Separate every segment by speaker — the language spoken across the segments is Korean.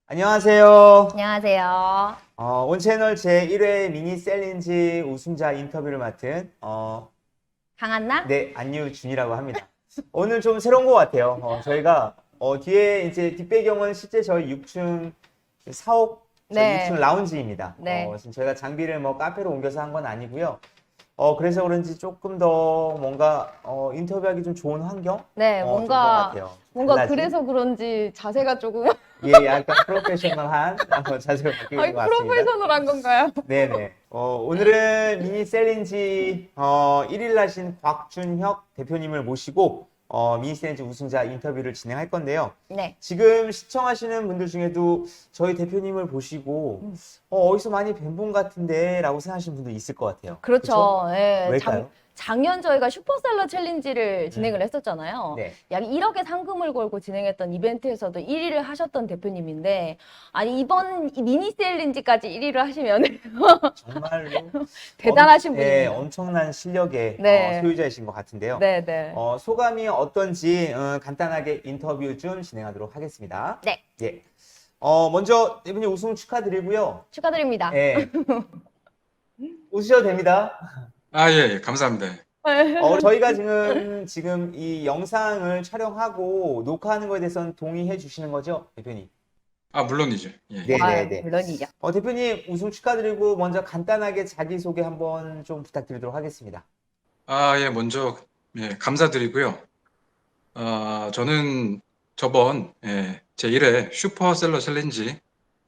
Speaker 1: 안녕하세요.
Speaker 2: 안녕하세요.
Speaker 1: 온 채널 제1회 미니 셀린지 우승자 인터뷰를 맡은
Speaker 2: 강한나?
Speaker 1: 네, 안유준이라고 합니다. 오늘 좀 새로운 것 같아요. 저희가 뒤에 이제 뒷배경은 실제 저희 6층 사옥 저희 6층
Speaker 2: 네,
Speaker 1: 라운지입니다.
Speaker 2: 네.
Speaker 1: 지금 저희가 장비를 뭐 카페로 옮겨서 한 건 아니고요. 그래서 그런지 조금 더 뭔가 인터뷰하기 좀 좋은 환경?
Speaker 2: 네,
Speaker 1: 좀 그런 것 같아요.
Speaker 2: 뭔가
Speaker 1: 달라진?
Speaker 2: 그래서 그런지 자세가 조금,
Speaker 1: 예, 약간 프로페셔널한 자세로 바뀌고 있는
Speaker 2: 아니,
Speaker 1: 것 같습니다.
Speaker 2: 프로페셔널한 건가요?
Speaker 1: 네네. 오늘은 미니 셀린지 1일 하신 곽준혁 대표님을 모시고 미니 셀린지 우승자 인터뷰를 진행할 건데요.
Speaker 2: 네.
Speaker 1: 지금 시청하시는 분들 중에도 저희 대표님을 보시고 어디서 많이 뵌 분 같은데 라고 생각하시는 분도 있을 것 같아요. 그렇죠?
Speaker 2: 그렇죠. 예,
Speaker 1: 왜일까요?
Speaker 2: 작년 저희가 슈퍼셀러 챌린지를 진행을
Speaker 1: 음,
Speaker 2: 했었잖아요.
Speaker 1: 네.
Speaker 2: 약 1억의 상금을 걸고 진행했던 이벤트에서도 1위를 하셨던 대표님인데, 아니, 이번 이 미니 챌린지까지 1위를 하시면
Speaker 1: 정말로
Speaker 2: 대단하신
Speaker 1: 예,
Speaker 2: 분입니다.
Speaker 1: 엄청난 실력의
Speaker 2: 네,
Speaker 1: 소유자이신 것 같은데요.
Speaker 2: 네, 네.
Speaker 1: 소감이 어떤지 간단하게 인터뷰 좀 진행하도록 하겠습니다.
Speaker 2: 네,
Speaker 1: 예. 먼저 대표님 우승 축하드리고요.
Speaker 2: 축하드립니다.
Speaker 1: 예, 웃으셔도 됩니다.
Speaker 2: 네.
Speaker 3: 예, 감사합니다.
Speaker 1: 저희가 지금 이 영상을 촬영하고 녹화하는 거에 대해서는 동의해 주시는 거죠, 대표님?
Speaker 3: 물론이죠. 예.
Speaker 1: 네네네.
Speaker 2: 물론이죠.
Speaker 1: 대표님 우승 축하드리고 먼저 간단하게 자기소개 한번 좀 부탁드리도록 하겠습니다.
Speaker 3: 예, 먼저, 감사드리고요. 저는 저번, 제1회 슈퍼셀러 챌린지,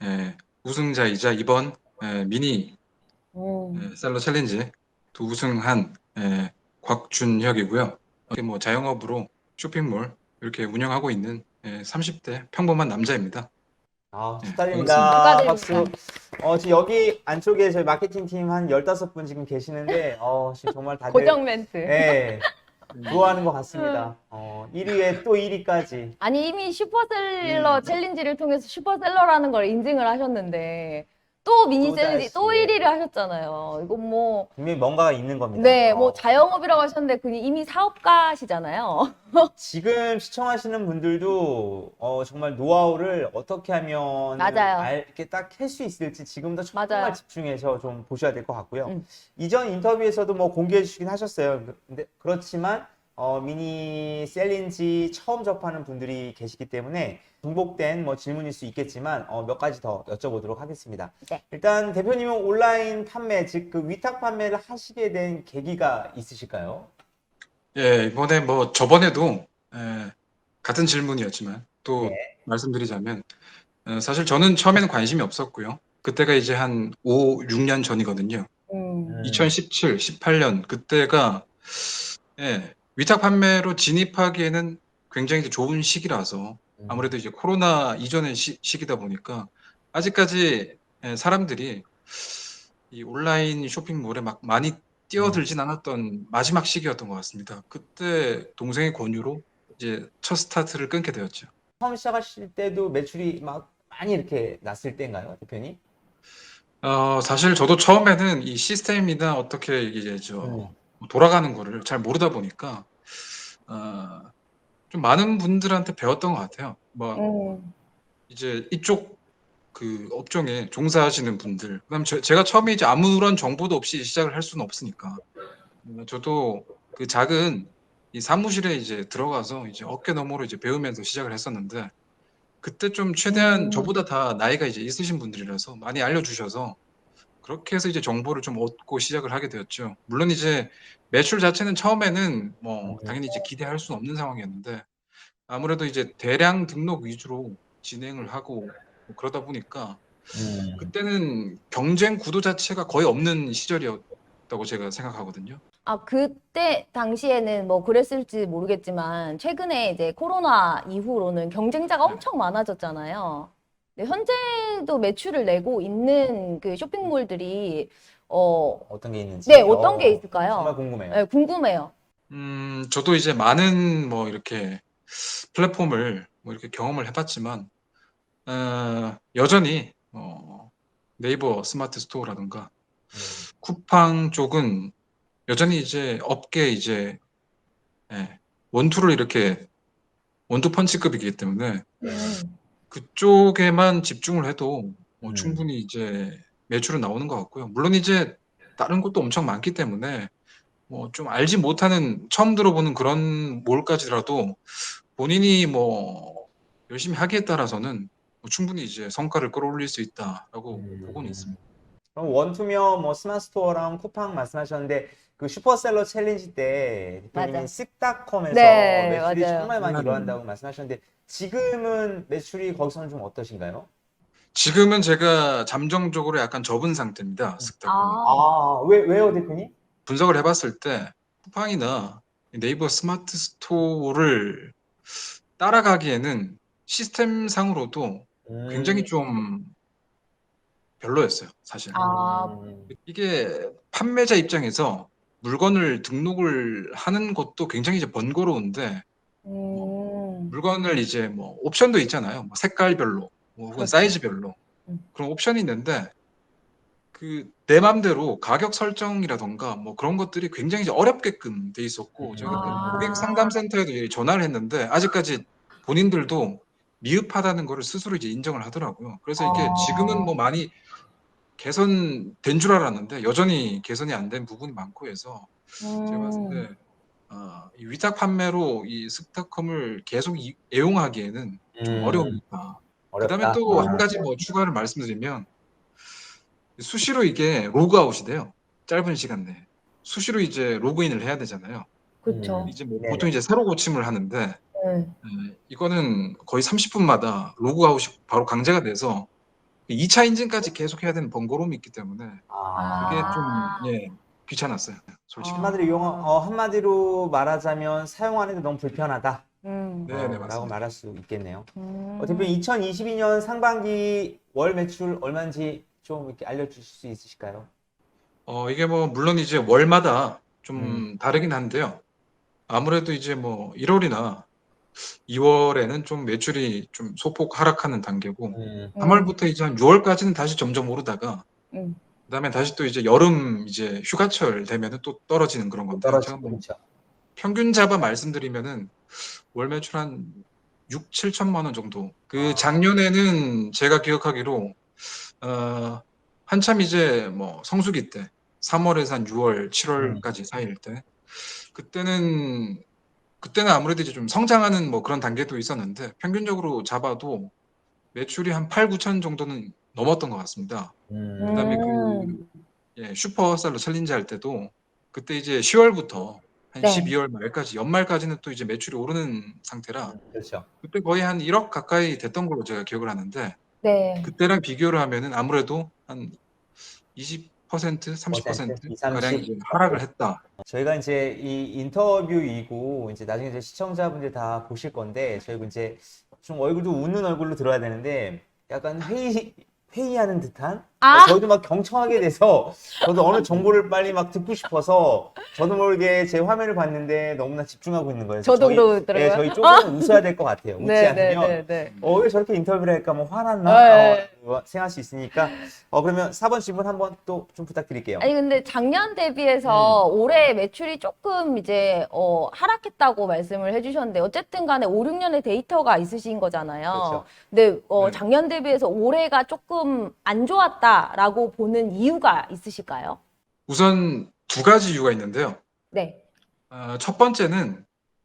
Speaker 3: 우승자이자 이번, 미니, 셀러 챌린지 두 우승한, 곽준혁이고요. 뭐 자영업으로 쇼핑몰 이렇게 운영하고 있는, 30대 평범한 남자입니다. 반갑습니다.
Speaker 1: 축하드립니다. 박수.
Speaker 2: 축하드립니다.
Speaker 1: 지금 여기 안쪽에 저희 마케팅 팀 한 15분 지금 계시는데, 지금 정말 다들,
Speaker 2: 고정 멘트.
Speaker 1: 예, 좋아하는 것 같습니다. 1위에 또 1위까지.
Speaker 2: 아니, 이미 슈퍼셀러 챌린지를 통해서 슈퍼셀러라는 걸 인증을 하셨는데, 또 미니 챌린지
Speaker 1: 또다시,
Speaker 2: 또
Speaker 1: 예.
Speaker 2: 1위를 하셨잖아요. 이건 뭐,
Speaker 1: 분명히 뭔가가 있는 겁니다.
Speaker 2: 네, 뭐 자영업이라고 하셨는데, 그냥 이미 사업가시잖아요.
Speaker 1: 지금 시청하시는 분들도 정말 노하우를 어떻게 하면
Speaker 2: 맞아요.
Speaker 1: 이렇게 딱 캘 수 있을지 지금도 정말
Speaker 2: 맞아요.
Speaker 1: 집중해서 좀 보셔야 될 것 같고요.
Speaker 2: 음.
Speaker 1: 이전 인터뷰에서도 뭐 공개해 주시긴 하셨어요. 근데 그렇지만 미니 셀린지 처음 접하는 분들이 계시기 때문에 중복된 뭐 질문일 수 있겠지만 몇 가지 더 여쭤보도록 하겠습니다.
Speaker 2: 네.
Speaker 1: 일단 대표님은 온라인 판매, 즉 그 위탁 판매를 하시게 된 계기가 있으실까요?
Speaker 3: 예, 이번에 뭐 저번에도 같은 질문이었지만 또
Speaker 1: 네.
Speaker 3: 말씀드리자면 사실 저는 처음에는 관심이 없었고요. 그때가 이제 한 5, 6년 전이거든요.
Speaker 2: 음.
Speaker 3: 2017, 18년 그때가 위탁 판매로 진입하기에는 굉장히 이제 좋은 시기라서 아무래도 이제 코로나 이전의 시기다 보니까 아직까지 사람들이 이 온라인 쇼핑몰에 막 많이 뛰어들진 않았던 마지막 시기였던 것 같습니다. 그때 동생의 권유로 이제 첫 스타트를 끊게 되었죠.
Speaker 1: 처음 시작하실 때도 매출이 막 많이 이렇게 났을 때인가요, 대표님?
Speaker 3: 사실 저도 처음에는 이 시스템이나 어떻게 이제 돌아가는 거를 잘 모르다 보니까 어, 좀 많은 분들한테 배웠던 것 같아요. 뭐
Speaker 2: 음.
Speaker 3: 이제 이쪽 그 업종에 종사하시는 분들, 그다음 제가 처음에 이제 아무런 정보도 없이 시작을 할 수는 없으니까 저도 그 작은 이 사무실에 이제 들어가서 이제 어깨 너머로 이제 배우면서 시작을 했었는데 그때 좀 최대한 저보다 다 나이가 이제 있으신 분들이라서 많이 알려주셔서 그렇게 해서 이제 정보를 좀 얻고 시작을 하게 되었죠. 물론 이제 매출 자체는 처음에는 뭐 당연히 이제 기대할 수는 없는 상황이었는데 아무래도 이제 대량 등록 위주로 진행을 하고 뭐 그러다 보니까 그때는 경쟁 구도 자체가 거의 없는 시절이었다고 제가 생각하거든요.
Speaker 2: 아, 그때 당시에는 뭐 그랬을지 모르겠지만, 최근에 이제 코로나 이후로는 경쟁자가
Speaker 3: 네.
Speaker 2: 엄청 많아졌잖아요. 근데 현재도 매출을 내고 있는 그 쇼핑몰들이,
Speaker 1: 어떤 게 있는지.
Speaker 2: 네, 어떤 게 있을까요?
Speaker 1: 정말 궁금해요.
Speaker 2: 네, 궁금해요.
Speaker 3: 저도 이제 많은 뭐 이렇게 플랫폼을 뭐 이렇게 경험을 해봤지만 여전히 네이버 스마트 스토어라든가 쿠팡 쪽은 여전히 이제 업계 이제 원투를 이렇게 원투 펀치급이기 때문에 그쪽에만 집중을 해도 뭐
Speaker 1: 음.
Speaker 3: 충분히 이제 매출은 나오는 것 같고요. 물론 이제 다른 곳도 엄청 많기 때문에 뭐 좀 알지 못하는 처음 들어보는 그런 몰까지라도 본인이 뭐 열심히 하기에 따라서는 뭐 충분히 이제 성과를 끌어올릴 수 있다라고 보고는 있습니다.
Speaker 1: 그럼 원투명 뭐 스마트 스토어랑 쿠팡 말씀하셨는데 그 슈퍼셀러 챌린지 때 대표님이
Speaker 2: 맞아.
Speaker 1: 쓱닷컴에서
Speaker 2: 네,
Speaker 1: 매출이
Speaker 2: 맞아요.
Speaker 1: 정말 많이
Speaker 3: 네.
Speaker 1: 일어난다고 말씀하셨는데 지금은 매출이 거기서는 좀 어떠신가요?
Speaker 3: 지금은 제가 잠정적으로 약간 접은 상태입니다. 스타컴은.
Speaker 2: 아,
Speaker 1: 왜요, 대표님?
Speaker 3: 분석을 해봤을 때 쿠팡이나 네이버 스마트 스토어를 따라가기에는 시스템상으로도 굉장히 좀 별로였어요, 사실.
Speaker 2: 아,
Speaker 3: 이게 판매자 입장에서 물건을 등록을 하는 것도 굉장히 이제 번거로운데 물건을 이제 뭐 옵션도 있잖아요. 뭐 색깔별로, 뭐 혹은
Speaker 2: 그렇죠.
Speaker 3: 사이즈별로
Speaker 2: 음.
Speaker 3: 그런 옵션이 있는데 그 내 맘대로 가격 설정이라던가 뭐 그런 것들이 굉장히 이제 어렵게끔 돼 있었고 제가 그 고객 상담센터에도 이제 전화를 했는데 아직까지 본인들도 미흡하다는 거를 스스로 이제 인정을 하더라고요. 그래서 이게 지금은 뭐 많이 개선된 줄 알았는데 여전히 개선이 안 된 부분이 많고 해서 제가 봤을 때 이 위탁 판매로 이 스타컴을 계속 애용하기에는 좀 어려움이 있다. 그다음에
Speaker 1: 어렵다.
Speaker 3: 또 한 가지 뭐 추가를 말씀드리면 수시로 이게 로그아웃이 돼요. 짧은 시간 내에. 수시로 이제 로그인을 해야 되잖아요.
Speaker 2: 그렇죠.
Speaker 3: 이제 뭐
Speaker 1: 네네.
Speaker 3: 보통 이제 새로 고침을 하는데
Speaker 2: 네.
Speaker 3: 이거는 거의 30분마다 로그아웃이 바로 강제가 돼서 2차 인증까지 계속 해야 되는 번거로움이 있기 때문에 그게 좀 귀찮았어요. 솔직히.
Speaker 1: 한마디로 말하자면 사용하는데 너무 불편하다.
Speaker 2: 음.
Speaker 3: 네,
Speaker 1: 라고
Speaker 3: 맞습니다.
Speaker 1: 말할 수 있겠네요.
Speaker 2: 음.
Speaker 1: 대표님 2022년 상반기 월 매출 얼마인지 좀 이렇게 알려주실 수 있으실까요?
Speaker 3: 이게 뭐 물론 이제 월마다 좀 다르긴 한데요. 아무래도 이제 뭐 1월이나 2월에는 좀 매출이 좀 소폭 하락하는 단계고 3월부터 이제 한 6월까지는 다시 점점 오르다가
Speaker 2: 음.
Speaker 3: 그다음에 다시 또 이제 여름 이제 휴가철 되면은 또 떨어지는 그런 건데 제가 뭐
Speaker 1: 그렇죠.
Speaker 3: 평균 잡아 말씀드리면은 월 매출 한 6, 7천만 원 정도. 그 작년에는 제가 기억하기로 한참 이제 뭐 성수기 때 3월에서 한 6월, 7월까지 사이일 때 그때는 아무래도 이제 좀 성장하는 뭐 그런 단계도 있었는데 평균적으로 잡아도 매출이 한 8, 9천 정도는 넘었던 것 같습니다. 그다음에 슈퍼셀러 챌린지 할 때도 그때 이제 10월부터 한
Speaker 2: 네.
Speaker 3: 12월 말까지 연말까지는 또 이제 매출이 오르는 상태라
Speaker 1: 그렇죠.
Speaker 3: 그때 거의 한 1억 가까이 됐던 걸로 제가 기억을 하는데
Speaker 2: 네.
Speaker 3: 그때랑 비교를 하면은 아무래도 한 20%, 30%
Speaker 1: 2,
Speaker 3: 가량
Speaker 1: 30.
Speaker 3: 이제 하락을 했다.
Speaker 1: 저희가 이제 이 인터뷰이고 이제 나중에 이제 시청자분들 다 보실 건데 저희가 이제 좀 얼굴도 웃는 얼굴로 들어야 되는데 약간 회의하는 듯한 저희도 막 경청하게 돼서 저도 어느 정보를 빨리 막 듣고 싶어서 저도 모르게 제 화면을 봤는데 너무나 집중하고 있는 거예요.
Speaker 2: 저도 그러더라고요.
Speaker 1: 저희 조금은 웃어야 될 것 같아요. 웃지
Speaker 2: 네,
Speaker 1: 않으면
Speaker 2: 네.
Speaker 1: 왜 저렇게 인터뷰를 할까 뭐 화났나
Speaker 2: 네.
Speaker 1: 생각할 수 있으니까 그러면 4번 질문 한번 또 좀 부탁드릴게요.
Speaker 2: 아니 근데 작년 대비해서 올해 매출이 조금 이제 하락했다고 말씀을 해주셨는데 어쨌든 간에 5, 6년의 데이터가 있으신 거잖아요.
Speaker 1: 그렇죠.
Speaker 2: 근데
Speaker 3: 네.
Speaker 2: 작년 대비해서 올해가 조금 안 좋았다라고 보는 이유가 있으실까요?
Speaker 3: 우선 두 가지 이유가 있는데요.
Speaker 2: 네.
Speaker 3: 첫 번째는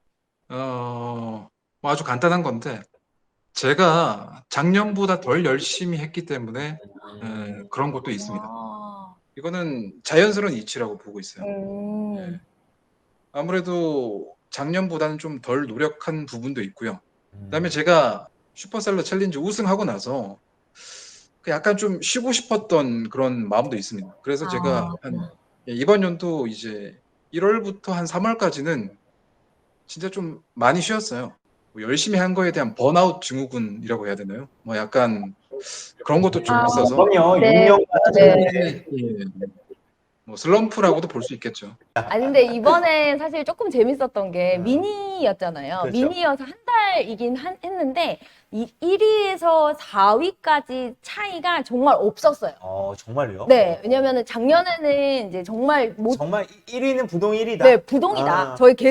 Speaker 3: 뭐 아주 간단한 건데 제가 작년보다 덜 열심히 했기 때문에 그런 것도 있습니다.
Speaker 2: 아,
Speaker 3: 이거는 자연스러운 이치라고 보고 있어요.
Speaker 2: 음,
Speaker 3: 예. 아무래도 작년보다는 좀 덜 노력한 부분도 있고요. 그다음에 제가 슈퍼셀러 챌린지 우승하고 나서 그 약간 좀 쉬고 싶었던 그런 마음도 있습니다. 그래서 제가 이번 연도 이제 1월부터 한 3월까지는 진짜 좀 많이 쉬었어요. 뭐 열심히 한 거에 대한 번아웃 증후군이라고 해야 되나요? 뭐 약간 그런 것도 좀 있어서
Speaker 1: 그럼요.
Speaker 2: 네,
Speaker 1: 6년
Speaker 2: 네.
Speaker 3: 뭐 슬럼프라고도 볼 수 있겠죠.
Speaker 2: 아니 근데 이번에 사실 조금 재밌었던 게
Speaker 1: 음.
Speaker 2: 미니였잖아요.
Speaker 1: 그렇죠.
Speaker 2: 미니여서 한 달이긴 했는데 1위에서 4위까지 차이가 정말 없었어요.
Speaker 1: 정말요?
Speaker 2: 네, 왜냐면은 작년에는 이제 정말
Speaker 1: 정말 1위는 부동 1위다.
Speaker 2: 네, 부동이다. 저희 계속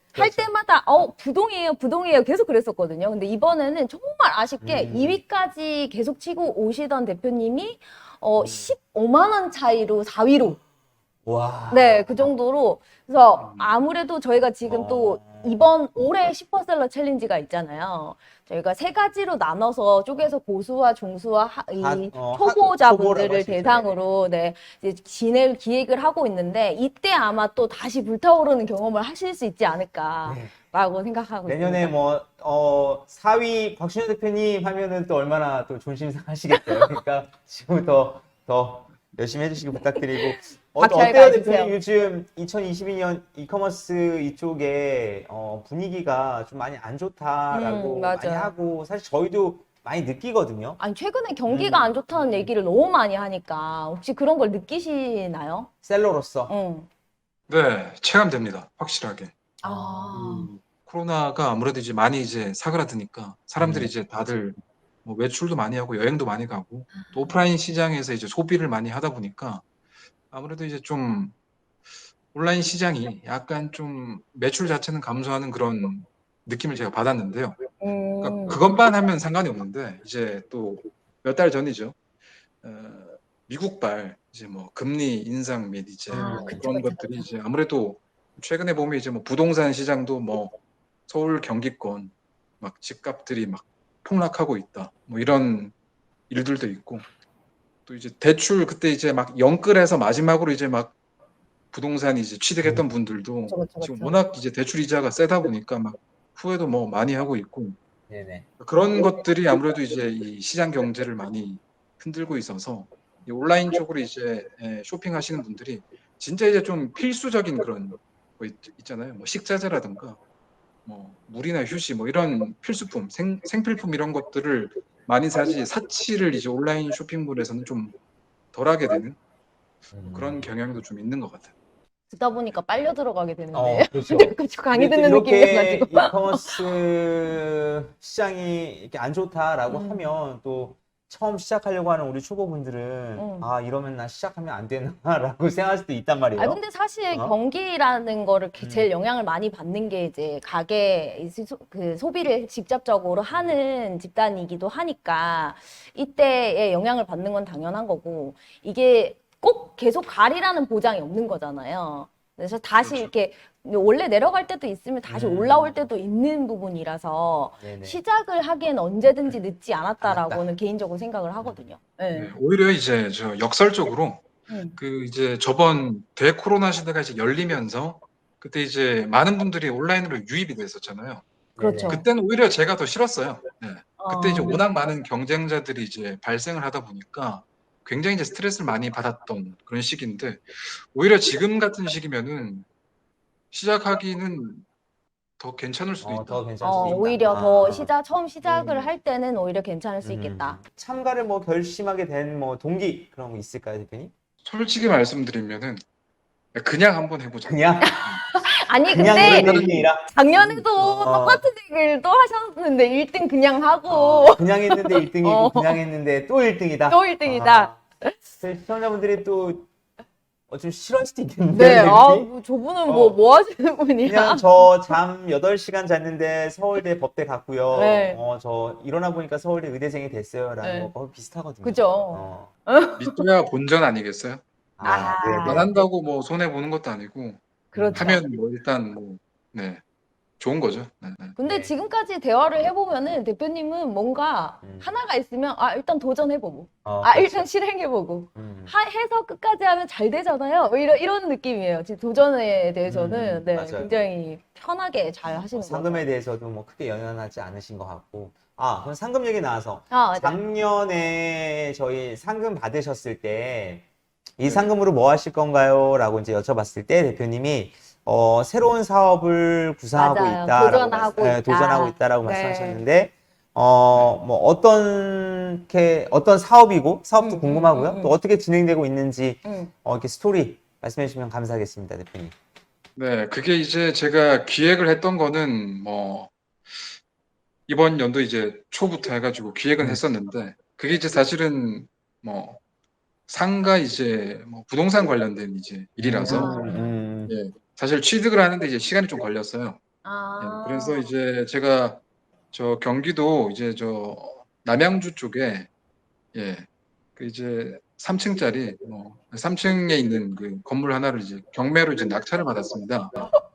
Speaker 2: 할
Speaker 1: 그렇죠.
Speaker 2: 때마다 부동이에요, 부동이에요 계속 그랬었거든요. 근데 이번에는 정말 아쉽게 2위까지 계속 치고 오시던 대표님이 15만 원 차이로 4위로
Speaker 1: 와.
Speaker 2: 네, 그 정도로. 그래서 아무래도 저희가 지금 또
Speaker 1: 어.
Speaker 2: 이번 올해 슈퍼셀러 챌린지가 있잖아요. 저희가 세 가지로 나눠서 쪼개서 고수와 중수와 초보자분들을
Speaker 1: 초보라고 할 수 있죠.
Speaker 2: 대상으로 네, 이제 진행 기획을 하고 있는데 이때 아마 또 다시 불타오르는 경험을 하실 수 있지 않을까라고 생각하고
Speaker 1: 내년에
Speaker 2: 있습니다.
Speaker 1: 뭐 4위 곽준현 대표님 하면은 또 얼마나 또 존심상하시겠어요. 그러니까 지금부터 더 열심히 해주시기 부탁드리고
Speaker 2: 박수 잘
Speaker 1: 어때요
Speaker 2: 가주세요.
Speaker 1: 대표님? 요즘 2022년 이커머스 이쪽에 분위기가 좀 많이 안 좋다라고 많이
Speaker 2: 맞아요.
Speaker 1: 하고 사실 저희도 많이 느끼거든요.
Speaker 2: 아니 최근에 경기가 안 좋다는 얘기를 너무 많이 하니까 혹시 그런 걸 느끼시나요?
Speaker 1: 셀러로서.
Speaker 3: 네, 체감됩니다. 확실하게.
Speaker 2: 아,
Speaker 3: 코로나가 아무래도 이제 많이 이제 사그라드니까 사람들이 이제 다들 뭐 외출도 많이 하고 여행도 많이 가고 또 오프라인 시장에서 이제 소비를 많이 하다 보니까 아무래도 이제 좀 온라인 시장이 약간 좀 매출 자체는 감소하는 그런 느낌을 제가 받았는데요. 그러니까 그것만 하면 상관이 없는데 이제 또 몇 달 전이죠. 미국발 이제 뭐 금리 인상 및 이제 뭐
Speaker 2: 그쵸,
Speaker 3: 그런
Speaker 2: 그쵸,
Speaker 3: 것들이
Speaker 2: 그쵸.
Speaker 3: 이제 아무래도 최근에 보면 이제 뭐 부동산 시장도 뭐 서울 경기권 막 집값들이 막 폭락하고 있다. 뭐 이런 일들도 있고 또 이제 대출 그때 이제 막 영끌해서 마지막으로 이제 막 부동산 이제 취득했던 분들도
Speaker 2: 그쵸, 그쵸,
Speaker 3: 지금
Speaker 2: 그쵸.
Speaker 3: 워낙 이제 대출 이자가 세다 보니까 막 후회도 뭐 많이 하고 있고
Speaker 1: 네네.
Speaker 3: 그런 것들이 아무래도 이제 이 시장 경제를 많이 흔들고 있어서 이 온라인 쪽으로 이제 쇼핑하시는 분들이 진짜 이제 좀 필수적인 그런 거 있잖아요. 뭐 식자재라든가 뭐 물이나 휴지 뭐 이런 필수품, 생필품 이런 것들을 많이 사지 사치를 이제 온라인 쇼핑몰에서는 좀 덜하게 되는 그런 경향도 좀 있는 것 같아요.
Speaker 2: 듣다 보니까 빨려 들어가게 되는데.
Speaker 1: 그렇죠.
Speaker 2: 그쵸, 강의
Speaker 1: 근데 또
Speaker 2: 듣는
Speaker 1: 이렇게
Speaker 2: 느낌이어가지고.
Speaker 1: 이커머스 시장이 이렇게 안 좋다라고 하면 또 처음 시작하려고 하는 우리 초보분들은 아 이러면 나 시작하면 안 되나라고 생각할 수도 있단
Speaker 2: 아,
Speaker 1: 말이에요.
Speaker 2: 근데 사실
Speaker 1: 어?
Speaker 2: 경기라는 거를 제일 영향을 많이 받는 게 이제 그 소비를 직접적으로 하는 집단이기도 하니까 이때에 영향을 받는 건 당연한 거고 이게 꼭 계속 가리라는 보장이 없는 거잖아요. 그래서 다시
Speaker 3: 그렇죠.
Speaker 2: 이렇게 원래 내려갈 때도 있으면 다시 올라올 때도 있는 부분이라서
Speaker 1: 네네.
Speaker 2: 시작을 하기엔 언제든지 늦지 않았다라고는 개인적으로 생각을 하거든요. 네.
Speaker 3: 네, 오히려 이제 저 역설적으로 그 이제 저번 대코로나 시대가 이제 열리면서 그때 이제 많은 분들이 온라인으로 유입이 됐었잖아요.
Speaker 2: 그렇죠.
Speaker 3: 그때는 오히려 제가 더 싫었어요. 네. 그때 이제
Speaker 2: 어,
Speaker 3: 워낙 많은 경쟁자들이 이제 발생을 하다 보니까 굉장히 이제 스트레스를 많이 받았던 그런 시기인데 오히려 지금 같은 시기면은 시작하기는 더 괜찮을 수도
Speaker 1: 더
Speaker 3: 있다.
Speaker 1: 괜찮을 수도 있다.
Speaker 2: 오히려 처음 시작을
Speaker 1: 음.
Speaker 2: 할 때는 오히려 괜찮을 수 있겠다.
Speaker 1: 참가를 뭐 결심하게 된 뭐 동기 그런 거 있을까요, 대표님?
Speaker 3: 솔직히 말씀드리면은 그냥 한번 해보자.
Speaker 1: 그냥
Speaker 2: 아니,
Speaker 1: 그냥
Speaker 2: 근데
Speaker 1: 1등이라
Speaker 2: 작년에도 똑같은 얘기를 또 하셨는데 1등 그냥 하고
Speaker 1: 그냥 했는데 1등이고
Speaker 2: 어.
Speaker 1: 그냥 했는데 또 1등이다.
Speaker 2: 또 1등이다.
Speaker 1: 시청자분들이 또 좀 싫어할 수도 있겠는데.
Speaker 2: 네,
Speaker 1: 대표님?
Speaker 2: 저분은 뭐 하시는 분이야?
Speaker 1: 그냥 저 잠 8시간 잤는데 서울대 법대 갔고요.
Speaker 2: 네.
Speaker 1: 저 일어나 보니까 서울대 의대생이 됐어요라는
Speaker 2: 네.
Speaker 1: 거 비슷하거든요.
Speaker 2: 그죠.
Speaker 3: 믿어야 본전 아니겠어요? 네. 안
Speaker 1: 네네.
Speaker 3: 한다고 뭐 손해 보는 것도 아니고
Speaker 2: 그렇죠.
Speaker 3: 하면 뭐 일단 뭐 네. 좋은 거죠. 네.
Speaker 2: 근데
Speaker 1: 네.
Speaker 2: 지금까지 대화를 해보면은 대표님은 뭔가 하나가 있으면 일단 도전해보고
Speaker 1: 그렇죠.
Speaker 2: 일단 실행해보고 해서 끝까지 하면 잘 되잖아요. 뭐 이런 느낌이에요. 지금 도전에 대해서는 네,
Speaker 1: 맞아요.
Speaker 2: 굉장히 편하게 잘 하시는 것
Speaker 1: 상금에
Speaker 2: 같아요.
Speaker 1: 대해서도 뭐 크게 연연하지 않으신 것 같고. 그럼 상금 얘기 나와서
Speaker 2: 맞아요.
Speaker 1: 작년에 저희 상금 받으셨을 때 이
Speaker 3: 네.
Speaker 1: 상금으로 뭐 하실 건가요? 라고 이제 여쭤봤을 때 대표님이 새로운 사업을 구상하고
Speaker 2: 맞아요.
Speaker 1: 있다라고
Speaker 2: 도전하고 있다.
Speaker 1: 도전하고 있다라고
Speaker 2: 네.
Speaker 1: 말씀하셨는데 뭐 어떤 사업이고 사업도 궁금하고요. 또 어떻게 진행되고 있는지 이렇게 스토리 말씀해 주시면 감사하겠습니다, 대표님.
Speaker 3: 네, 그게 이제 제가 기획을 했던 거는 뭐 이번 연도 이제 초부터 해가지고 기획은 했었는데 그게 이제 사실은 뭐 상가 이제 뭐 부동산 관련된 이제 일이라서 예, 사실 취득을 하는데 이제 시간이 좀 걸렸어요. 그래서
Speaker 2: 아,
Speaker 3: 이제 제가 저 경기도 이제 저 남양주 쪽에 예, 그 이제 3층짜리 3층에 있는 그 건물 하나를 이제 경매로 이제 낙찰을 받았습니다.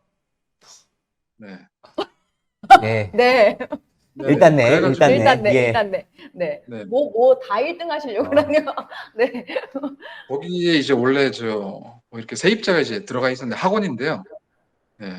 Speaker 3: 네.
Speaker 1: 네.
Speaker 2: 네.
Speaker 3: 네.
Speaker 1: 일단 네, 일단
Speaker 3: 그래가지고
Speaker 2: 일단
Speaker 1: 네.
Speaker 2: 네,
Speaker 1: 예.
Speaker 2: 일단 네. 네.
Speaker 3: 네.
Speaker 2: 뭐 다 1등 하시려고
Speaker 1: 어.
Speaker 2: 그러네요. 네.
Speaker 3: 거기에 이제 원래 뭐 이렇게 세입자가 이제 들어가 있었는데 학원인데요. 네.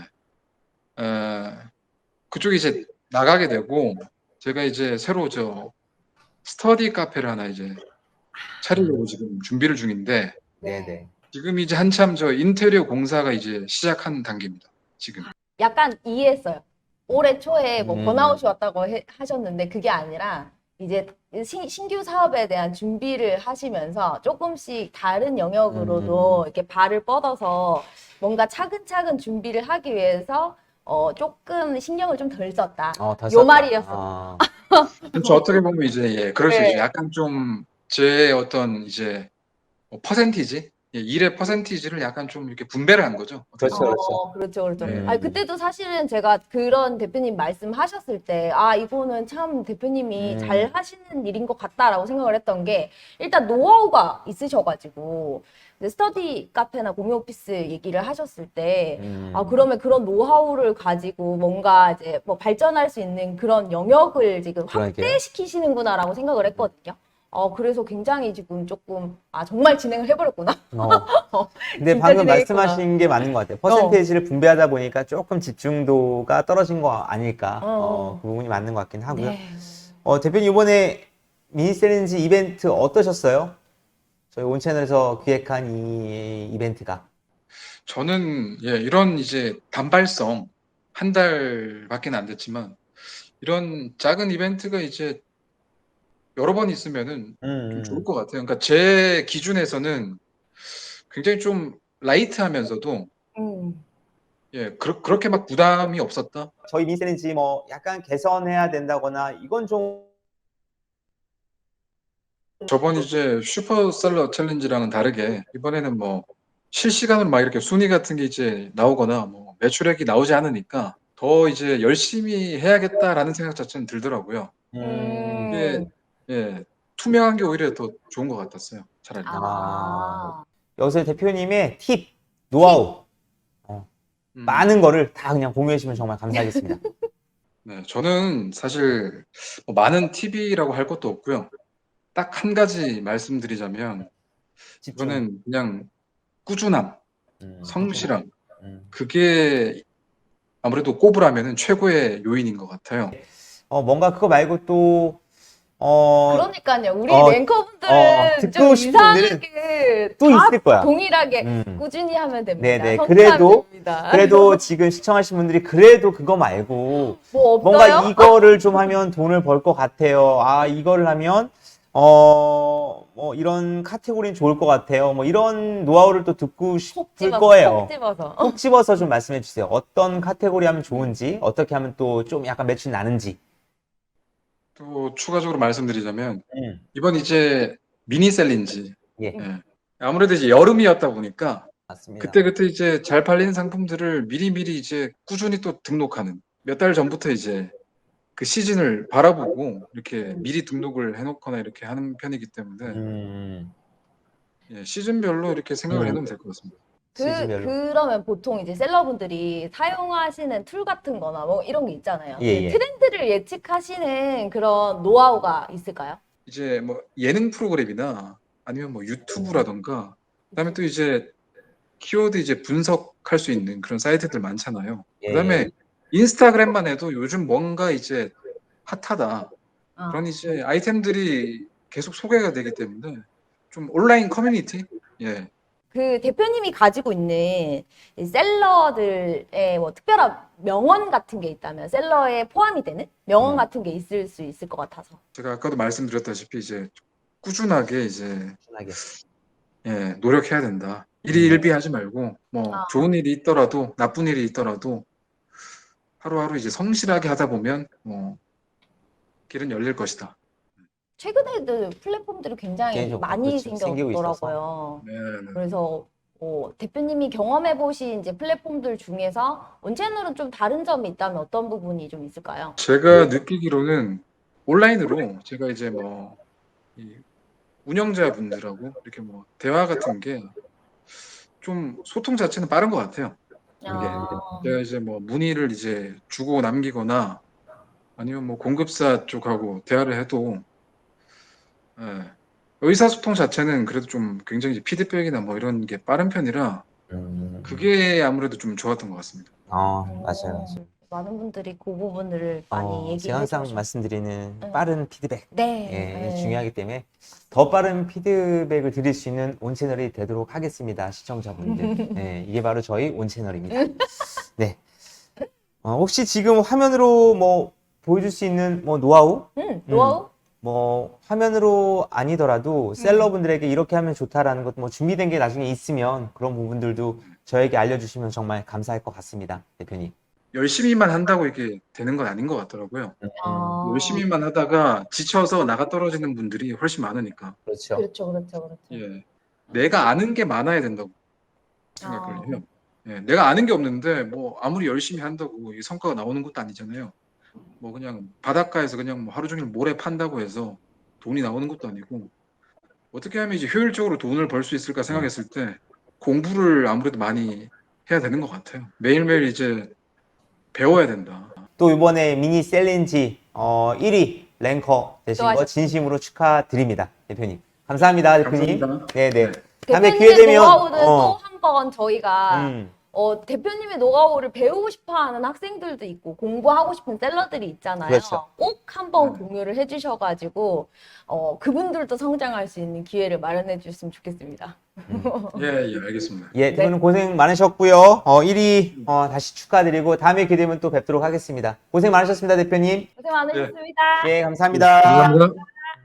Speaker 3: 그쪽에 이제 나가게 되고 제가 이제 새로 스터디 카페를 하나 이제 차리려고 지금 준비를 중인데
Speaker 1: 네네.
Speaker 3: 지금 이제 한참 인테리어 공사가 이제 시작한 단계입니다. 지금.
Speaker 2: 약간 이해했어요. 올해 초에 뭐
Speaker 1: 음,
Speaker 2: 번아웃이 왔다고 하셨는데 그게 아니라 이제 신규 사업에 대한 준비를 하시면서 조금씩 다른 영역으로도 이렇게 발을 뻗어서 뭔가 차근차근 준비를 하기 위해서 조금 신경을 좀 덜 썼다.
Speaker 1: 더
Speaker 2: 요
Speaker 1: 썼다.
Speaker 2: 말이었어.
Speaker 3: 그렇죠. 어떻게 보면 이제 예, 그럴 수 있죠.
Speaker 2: 네.
Speaker 3: 약간 좀 제 어떤 이제 퍼센티지, 일의 퍼센티지를 약간 좀 이렇게 분배를 한 거죠. 어떻게
Speaker 1: 그렇죠,
Speaker 3: 보면.
Speaker 1: 그렇죠.
Speaker 2: 그렇죠, 그렇죠.
Speaker 3: 네.
Speaker 2: 아니, 그때도 사실은 제가 그런 대표님 말씀하셨을 때, 이거는 참 대표님이 잘 하시는 일인 것 같다라고 생각을 했던 게, 일단 노하우가 있으셔가지고, 이제 스터디 카페나 공유 오피스 얘기를 하셨을 때, 그러면 그런 노하우를 가지고 뭔가 이제 뭐 발전할 수 있는 그런 영역을 지금
Speaker 1: 그러게요.
Speaker 2: 확대시키시는구나라고 생각을 했거든요. 그래서 굉장히 지금 조금, 정말 진행을 해버렸구나.
Speaker 1: 근데
Speaker 2: 진짜
Speaker 1: 방금
Speaker 2: 진행했구나.
Speaker 1: 말씀하신 게 맞는 것 같아요. 퍼센테이지를 분배하다 보니까 조금 집중도가 떨어진 거 아닐까.
Speaker 2: 어.
Speaker 1: 그 부분이 맞는 것 같긴 하고요.
Speaker 2: 네.
Speaker 1: 대표님 이번에 미니셀린지 이벤트 어떠셨어요? 저희 온 채널에서 기획한 이 이벤트가.
Speaker 3: 저는 이런 이제 단발성 한 달밖에 안 됐지만 이런 작은 이벤트가 이제 여러 번 있으면은 좀 좋을 것 같아요. 그러니까 제 기준에서는 굉장히 좀 라이트하면서도
Speaker 2: 음.
Speaker 3: 그렇게 막 부담이 없었다.
Speaker 1: 저희 미니셀린지 뭐 약간 개선해야 된다거나 이건 좀
Speaker 3: 저번 이제 슈퍼셀러 챌린지랑은 다르게 이번에는 뭐 실시간으로 막 이렇게 순위 같은 게 이제 나오거나 뭐 매출액이 나오지 않으니까 더 이제 열심히 해야겠다라는 생각 자체는 들더라고요. 이게
Speaker 2: 음.
Speaker 3: 투명한 게 오히려 더 좋은 것 같았어요. 차라리.
Speaker 2: 아.
Speaker 1: 여기서 대표님의 팁,
Speaker 2: 팁.
Speaker 1: 노하우
Speaker 3: 음,
Speaker 1: 많은 거를 다 그냥 공유해 주시면 정말 감사하겠습니다.
Speaker 3: 네, 저는 사실 뭐 많은 팁이라고 할 것도 없고요. 딱 한 가지 말씀드리자면
Speaker 1: 집중.
Speaker 3: 이거는 그냥 꾸준함,
Speaker 1: 꾸준함.
Speaker 3: 성실함. 그게 아무래도 꼽으라면은 최고의 요인인 것 같아요.
Speaker 1: 뭔가 그거 말고 또
Speaker 2: 그러니까요. 우리
Speaker 1: 어,
Speaker 2: 랭커분들은
Speaker 1: 듣고
Speaker 2: 좀
Speaker 1: 싶은 분들은
Speaker 2: 이상하게
Speaker 1: 또
Speaker 2: 다
Speaker 1: 있을 거야.
Speaker 2: 동일하게
Speaker 1: 음.
Speaker 2: 꾸준히 하면 됩니다.
Speaker 1: 네네.
Speaker 2: 성실하면 됩니다.
Speaker 1: 그래도 지금 시청하신 분들이 그래도 그거 말고
Speaker 2: 뭐
Speaker 1: 뭔가
Speaker 2: 없어요?
Speaker 1: 이거를 좀 하면 돈을 벌 것 같아요. 이거를 하면, 뭐 이런 카테고리는 좋을 것 같아요. 뭐 이런 노하우를 또 듣고
Speaker 2: 콕
Speaker 1: 싶을
Speaker 2: 집어서,
Speaker 1: 거예요.
Speaker 2: 콕 집어서.
Speaker 1: 콕 집어서 좀 말씀해 주세요. 어떤 카테고리 하면 좋은지, 어떻게 하면 또 좀 약간 매출 나는지.
Speaker 3: 또 추가적으로 말씀드리자면
Speaker 1: 음.
Speaker 3: 이번 이제 미니 셀린지
Speaker 1: 예,
Speaker 3: 예. 아무래도 이제 여름이었다 보니까
Speaker 1: 맞습니다.
Speaker 3: 그때그때 이제 잘 팔리는 상품들을 미리미리 이제 꾸준히 또 등록하는 몇 달 전부터 이제 그 시즌을 바라보고 이렇게 미리 등록을 해놓거나 이렇게 하는 편이기 때문에
Speaker 1: 음,
Speaker 3: 시즌별로 이렇게 생각을
Speaker 1: 음,
Speaker 3: 해놓으면 될 것 같습니다.
Speaker 1: 시즌별로.
Speaker 2: 그러면 보통 이제 셀러분들이 사용하시는 툴 같은 거나 뭐 이런 게 있잖아요.
Speaker 1: 예, 예.
Speaker 2: 트렌드를 예측하시는 그런 노하우가 있을까요?
Speaker 3: 이제 뭐 예능 프로그램이나 아니면 뭐 유튜브라던가 그다음에 또 이제 키워드 이제 분석할 수 있는 그런 사이트들 많잖아요.
Speaker 1: 예, 예.
Speaker 3: 그다음에 인스타그램만 해도 요즘 뭔가 이제 핫하다.
Speaker 2: 아.
Speaker 3: 그런 이제 아이템들이 계속 소개가 되기 때문에 좀 온라인 커뮤니티? 예.
Speaker 2: 그 대표님이 가지고 있는 이 셀러들의 뭐 특별한 명언 같은 게 있다면 셀러에 포함이 되는 명언 같은 게 있을 수 있을 것 같아서.
Speaker 3: 제가 아까도 말씀드렸다시피 이제 꾸준하게 이제
Speaker 1: 편하게.
Speaker 3: 노력해야 된다.
Speaker 1: 음,
Speaker 3: 일희일비하지 말고 뭐
Speaker 2: 아,
Speaker 3: 좋은 일이 있더라도 나쁜 일이 있더라도 하루하루 이제 성실하게 하다 보면 뭐 길은 열릴 것이다.
Speaker 2: 최근에도 플랫폼들이 굉장히
Speaker 1: 개인적으로
Speaker 2: 많이
Speaker 1: 그렇죠. 생기고 있어서.
Speaker 2: 생겼더라고요.
Speaker 3: 네, 네.
Speaker 2: 그래서 대표님이 경험해보신 이제 플랫폼들 중에서 온채널은 좀 다른 점이 있다면 어떤 부분이 좀 있을까요?
Speaker 3: 제가 느끼기로는 온라인으로 제가 이제 뭐 이 운영자분들하고 이렇게 뭐 대화 같은 게 좀 소통 자체는 빠른 것 같아요.
Speaker 2: 아,
Speaker 3: 제가 이제 뭐 문의를 이제 주고 남기거나 아니면 뭐 공급사 쪽하고 대화를 해도 예, 의사소통 자체는 그래도 좀 굉장히 피드백이나 뭐 이런 게 빠른 편이라 그게 아무래도 좀 좋았던 것 같습니다.
Speaker 1: 맞아요.
Speaker 2: 많은 분들이 그 부분을 많이
Speaker 1: 제가
Speaker 2: 얘기해
Speaker 1: 항상
Speaker 2: 주셔서.
Speaker 1: 말씀드리는 빠른 피드백.
Speaker 2: 네.
Speaker 1: 중요하기 때문에 더 빠른 피드백을 드릴 수 있는 온 채널이 되도록 하겠습니다. 시청자분들. 이게 바로 저희 온 채널입니다. 네. 혹시 지금 화면으로 뭐 보여줄 수 있는 뭐 노하우?
Speaker 2: 노하우?
Speaker 1: 뭐 화면으로 아니더라도 셀러분들에게 이렇게 하면 좋다라는 것 뭐 준비된 게 나중에 있으면 그런 부분들도 저에게 알려주시면 정말 감사할 것 같습니다. 대표님.
Speaker 3: 열심히만 한다고 이게 되는 건 아닌 것 같더라고요.
Speaker 2: 아,
Speaker 3: 열심히만 하다가 지쳐서 나가 떨어지는 분들이 훨씬 많으니까.
Speaker 1: 그렇죠.
Speaker 2: 그렇죠.
Speaker 3: 예. 내가 아는 게 많아야 된다고 생각을
Speaker 2: 아,
Speaker 3: 해요. 예, 내가 아는 게 없는데 뭐 아무리 열심히 한다고 이 성과가 나오는 것도 아니잖아요. 뭐 그냥 바닷가에서 그냥 뭐 하루 종일 모래 판다고 해서 돈이 나오는 것도 아니고 어떻게 하면 이제 효율적으로 돈을 벌 수 있을까 생각했을 때 공부를 아무래도 많이 해야 되는 것 같아요. 매일매일 이제 배워야 된다.
Speaker 1: 또 이번에 미니 셀린지 1위 랭커 되신 거
Speaker 2: 수고하셨습니다.
Speaker 1: 진심으로 축하드립니다. 대표님. 감사합니다, 대표님.
Speaker 3: 감사합니다.
Speaker 1: 네네.
Speaker 3: 네.
Speaker 1: 다음에 기회
Speaker 2: 대표님의
Speaker 1: 되면
Speaker 2: 노하우는 또 한 번 저희가
Speaker 1: 음,
Speaker 2: 대표님의 노하우를 배우고 싶어하는 학생들도 있고 공부하고 싶은 셀러들이 있잖아요.
Speaker 1: 그렇죠.
Speaker 2: 꼭 한번 공유를 해주셔가지고 그분들도 성장할 수 있는 기회를 마련해 주셨으면 좋겠습니다.
Speaker 3: 예, 알겠습니다.
Speaker 1: 두 분은 고생 많으셨고요. 1위 다시 축하드리고 다음에 기회 되면 또 뵙도록 하겠습니다. 고생 많으셨습니다, 대표님.
Speaker 2: 고생 많으셨습니다.
Speaker 1: 예, 감사합니다.
Speaker 3: 감사합니다.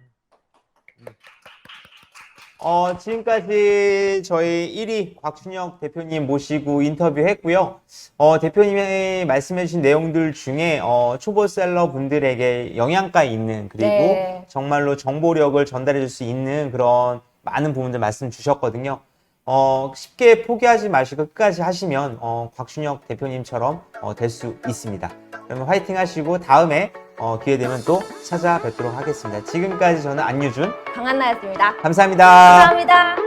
Speaker 1: 지금까지 저희 1위 곽준혁 대표님 모시고 인터뷰했고요. 대표님이 말씀해주신 내용들 중에 초보 셀러 분들에게 영양가 있는 그리고
Speaker 2: 네.
Speaker 1: 정말로 정보력을 전달해 줄 수 있는 그런 많은 부분들 말씀 주셨거든요. 쉽게 포기하지 마시고 끝까지 하시면 곽준혁 대표님처럼 될 수 있습니다. 그러면 화이팅 하시고 다음에 기회 되면 또 찾아뵙도록 하겠습니다. 지금까지 저는 안유준
Speaker 2: 강한나였습니다.
Speaker 1: 감사합니다.
Speaker 2: 감사합니다.